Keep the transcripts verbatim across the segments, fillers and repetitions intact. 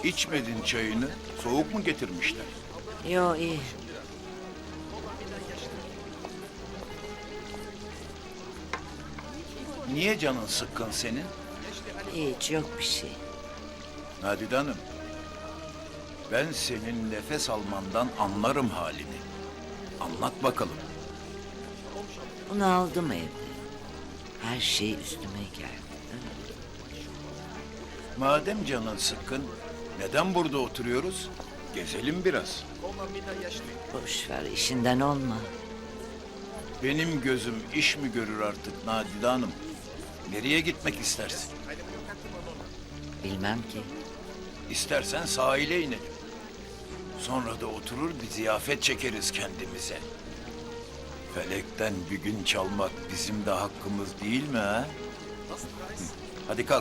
İçmedin çayını. Soğuk mu getirmişler? Yo iyi. Niye canın sıkkın senin? Hiç yok bir şey. Nadide Hanım, ben senin nefes almandan anlarım halini. Anlat bakalım. Bunu aldım evde. Her şey üstüme geldi. Madem canın sıkkın, neden burada oturuyoruz? Gezelim biraz. Boş ver, işinden olma. Benim gözüm iş mi görür artık Nadide Hanım? Nereye gitmek istersin? Bilmem ki. İstersen sahile inelim. Sonra da oturur bir ziyafet çekeriz kendimize. Felekten bir gün çalmak bizim de hakkımız değil mi ha? Hı. Hadi kalk.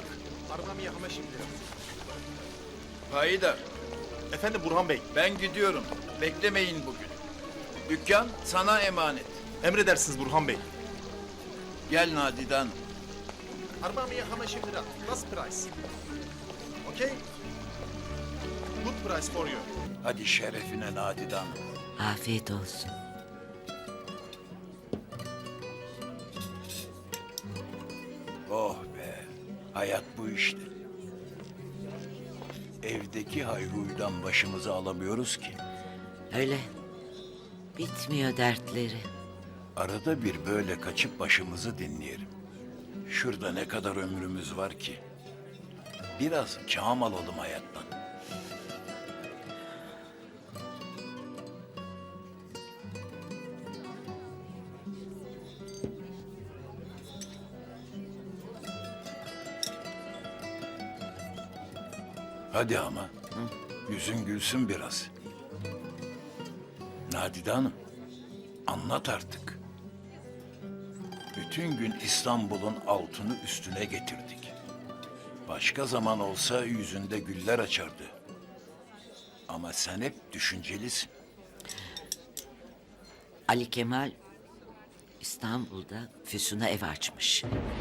Haydar, Efendim Burhan Bey, ben gidiyorum. Beklemeyin bugün. Dükkan sana emanet. emredersiniz Burhan Bey. Gel Nadide Hanım. أربعمية وخمسين lira. Last price. Okay? Good price for you. Hadi şerefine Nadide Hanım. Afiyet olsun. Oh be, hayat bu işte. Evdeki hayruydan başımızı alamıyoruz ki. Öyle. Bitmiyor dertleri. Arada bir böyle kaçıp başımızı dinleyelim. Şurada ne kadar ömrümüz var ki. Biraz kâm alalım hayattan. Hadi ama. Yüzün gülsün biraz. Nadide Hanım, anlat artık. Bütün gün İstanbul'un altını üstüne getirdik. Başka zaman olsa yüzünde güller açardı. Ama sen hep düşüncelisin. Ali Kemal İstanbul'da Füsun'a ev açmış.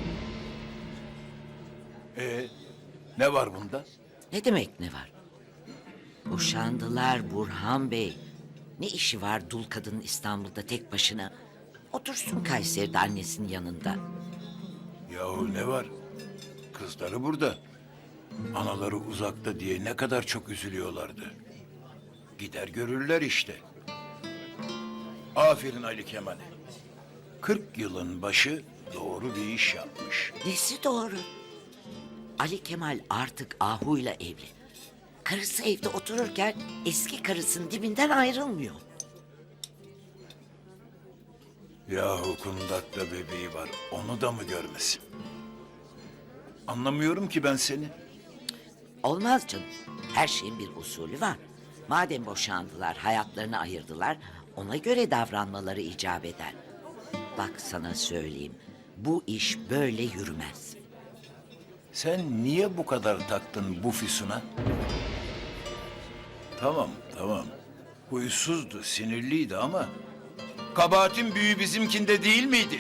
Ee, ne var bunda? Ne demek ne var? Boşandılar Burhan Bey. Ne işi var dul kadının İstanbul'da tek başına? Otursun Kayseri'de annesinin yanında. Yahu ne var? Kızları burada. Anaları uzakta diye ne kadar çok üzülüyorlardı. Gider görürler işte. Aferin Ali Kemal'e. Kırk yılın başı doğru bir iş yapmış. Nesi doğru? Ali Kemal artık Ahu'yla evli. Karısı evde otururken eski karısının dibinden ayrılmıyor. Yahu kundakta bebeği var. Onu da mı görmesin? Anlamıyorum ki ben seni. Olmaz canım. Her şeyin bir usulü var. Madem boşandılar, hayatlarını ayırdılar, ona göre davranmaları icap eder. Bak sana söyleyeyim, bu iş böyle yürümez. Sen niye bu kadar taktın bu Füsun'a? Tamam, tamam. Huysuzdu, sinirliydi ama... kabahatin büyüğü bizimkinde değil miydi?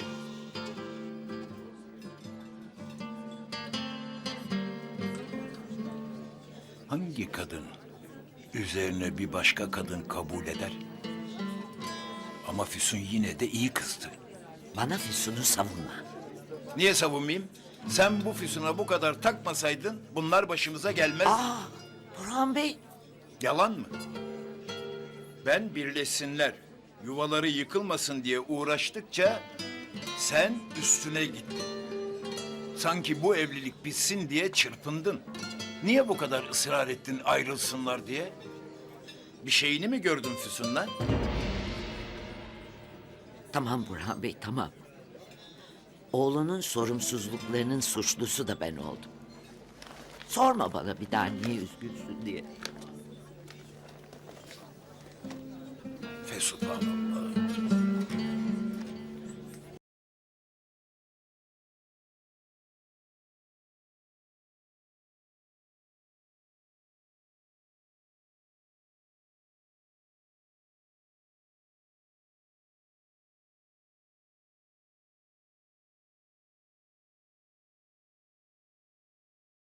Hangi kadın üzerine bir başka kadın kabul eder? Ama Füsun yine de iyi kızdı. Bana Füsun'u savunma. Niye savunmayayım? Sen bu Füsun'a bu kadar takmasaydın bunlar başımıza gelmez. Aa, Burhan Bey, Yalan mı? Ben birleşsinler, yuvaları yıkılmasın diye uğraştıkça sen üstüne gittin. Sanki bu evlilik bitsin diye çırpındın. Niye bu kadar ısrar ettin ayrılsınlar diye? Bir şeyini mi gördün Füsun'la? tamam Burhan Bey, tamam. Oğlunun sorumsuzluklarının suçlusu da ben oldum. Sorma bana bir daha niye üzgünsün diye. Fesubhanallah.